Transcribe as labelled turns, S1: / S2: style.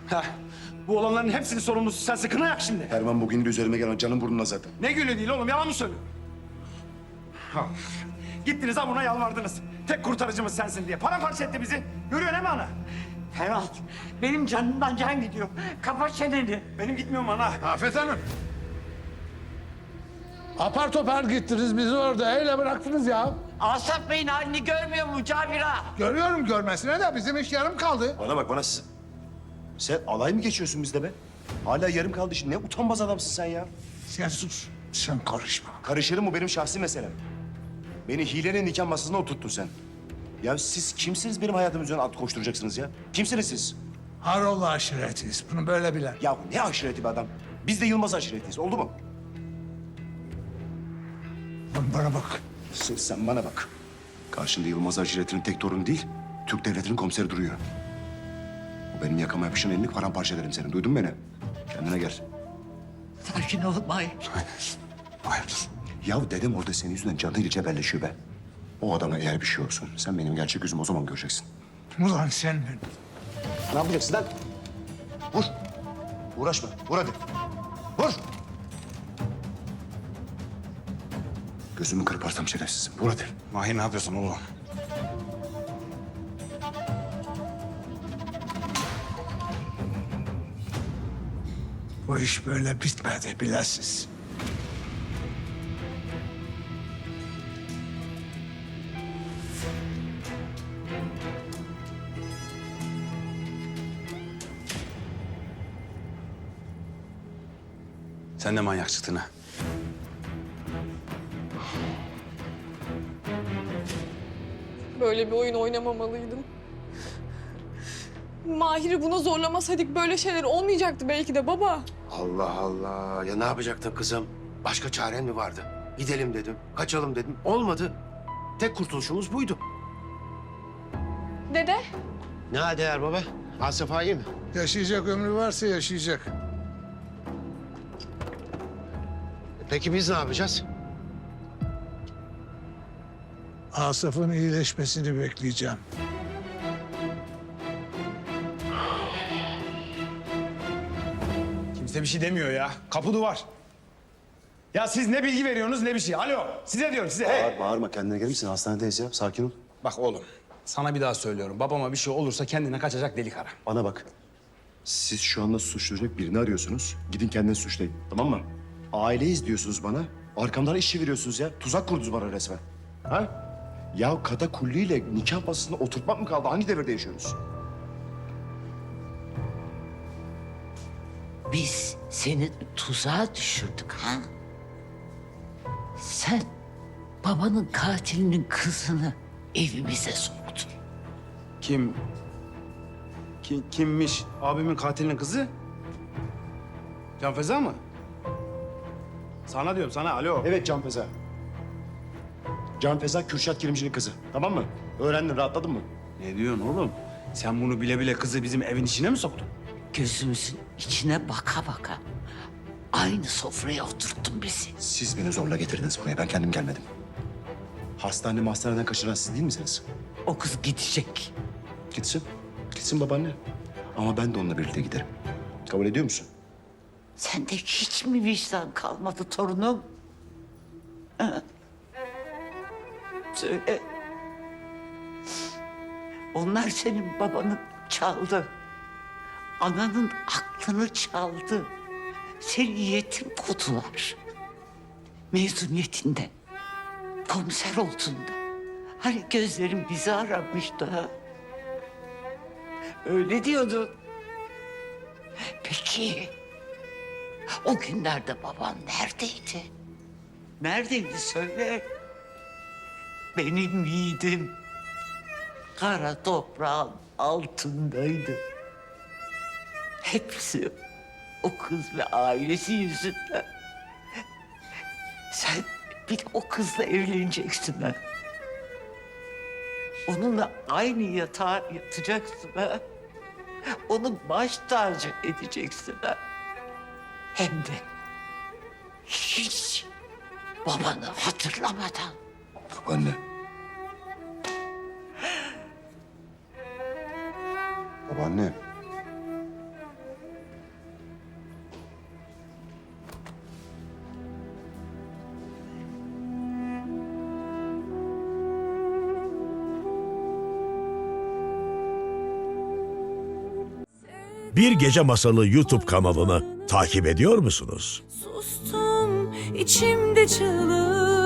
S1: Heh. Bu olanların hepsinin sorumlusu sensin. Kına yak şimdi.
S2: Erman bugün de üzerime gelen canım burnuna zaten.
S1: Ne gülü değil oğlum, yalan mı söylüyor? Ha. Gittiniz ha buna yalvardınız. Tek kurtarıcımız sensin diye. Paramparça etti bizi. Görüyor değil mi ana?
S3: Ferhat, benim canımdan can gidiyor. Kapat çeneni.
S1: Benim gitmiyorum ana.
S4: Afet Hanım. Apar topar gittiniz, bizi orada öyle bıraktınız ya.
S3: Asaf Bey'in halini görmüyor mu Cabira?
S4: Görüyorum görmesine de bizim iş yarım kaldı.
S2: Bana bak bana sen alay mı geçiyorsun bizde be? Hala yarım kaldı şimdi. Ne utanmaz adamsın sen ya.
S4: Sen sus, sen karışma.
S2: Karışırım, bu benim şahsi meselem. Beni hilenin nikah masasına oturttun sen. Ya siz kimsiniz benim hayatım üzerine at koşturacaksınız ya? Kimsiniz siz?
S4: Haroğlu aşiretiyiz, bunu böyle bilen.
S2: Ya ne aşireti bir adam? Biz de Yılmaz aşiretiyiz. Oldu mu?
S4: Bana bak.
S2: Sen bana bak. Karşında Yılmaz aşiretinin tek torunu değil, Türk devletinin komiseri duruyor. O benim yakama yapışan elini paramparça ederim senin. Duydun mu beni? Kendine gel.
S3: Sakin ol Mahir.
S2: Hayır. Ya dedem orada senin yüzünden canıyla cebelleşiyor be. O adama eğer bir şey olsun, sen benim gerçek yüzümü o zaman göreceksin.
S4: Ulan sen
S2: Ne yapacaksın lan? Vur. Uğraşma. Vur hadi. Vur. Gözümü kırparsam şerefsizim. Vur hadi.
S1: Mahir ne yapıyorsun oğlum?
S4: bu iş böyle bitmedi bilesiz.
S1: Sen de manyak çıktın ha.
S5: Böyle bir oyun oynamamalıydım. Mahir'i buna zorlamasaydık böyle şeyler olmayacaktı belki de baba.
S6: Allah Allah. Ya ne yapacaktın kızım? Başka çaren mi vardı? Gidelim dedim, kaçalım dedim. Olmadı. Tek kurtuluşumuz buydu.
S5: Dede,
S6: Ne değer baba? Asaf iyi mi?
S4: Yaşayacak ömrü varsa yaşayacak.
S6: Peki biz ne yapacağız?
S4: Asaf'ın iyileşmesini bekleyeceğim.
S1: Kimse bir şey demiyor ya. Kapı duvar. Ya siz ne bilgi veriyorsunuz ne bir şey. Alo, size diyorum size. Hey.
S2: Bağırma, kendine gelir misin? Hastanedeyiz ya. Sakin ol.
S1: Bak oğlum, sana bir daha söylüyorum. Babama bir şey olursa kendine kaçacak delik ara.
S2: Bana bak. Siz şu anda suçlayacak birini arıyorsunuz. Gidin kendinizi suçlayın. Tamam mı? Aileyiz diyorsunuz bana. Arkamdan iş çeviriyorsunuz ya. Tuzak kurdunuz bana resmen. Ha? Ya katakulliyle nikah masasına oturtmak mı kaldı? Hangi devirde yaşıyoruz?
S3: Biz seni tuzağa düşürdük ha? Sen babanın katilinin kızını evimize soktun.
S1: Kimmiş? Abimin katilinin kızı? Can Feza mı? Sana diyorum sana, alo.
S2: Evet Can Feza. Can Feza Kürşat Kilimci'nin kızı. Tamam mı? Öğrendin, rahatladın mı?
S1: Ne diyorsun oğlum? Sen bunu bile bile kızı bizim evin içine mi soktun?
S3: Gözümüzün içine baka baka aynı sofraya oturttun bizi.
S2: Siz beni zorla getirdiniz buraya. Ben kendim gelmedim. Hastaneden kaçıran siz değil misiniz?
S3: O kız gidecek.
S2: Gitsin. Gitsin babaanne. Ama ben de onunla birlikte giderim. Kabul ediyor musun?
S3: Sende hiç mi vicdan kalmadı torunum? Ha? Söyle. Onlar senin babanı çaldı. Ananın aklını çaldı. Seni yetim kodular. Mezuniyetinde, komiser olduğunda. Hani gözlerim bizi aramıştı ha. Öyle diyordun. Peki, o günlerde baban neredeydi? Neredeydi söyle. Benim yiğidim kara toprağın altındaydı. Hepsi o kız ve ailesi yüzünden. Sen bir de o kızla evleneceksin ha. Onunla aynı yatağa yatacaksın ha. Onu baş tacı edeceksin ha. Hem de hiç babanı hatırlamadan.
S2: Babaanne. Babaanne.
S7: Bir Gece Masalı YouTube kanalını takip ediyor musunuz?
S8: Sustum içimde çığlık.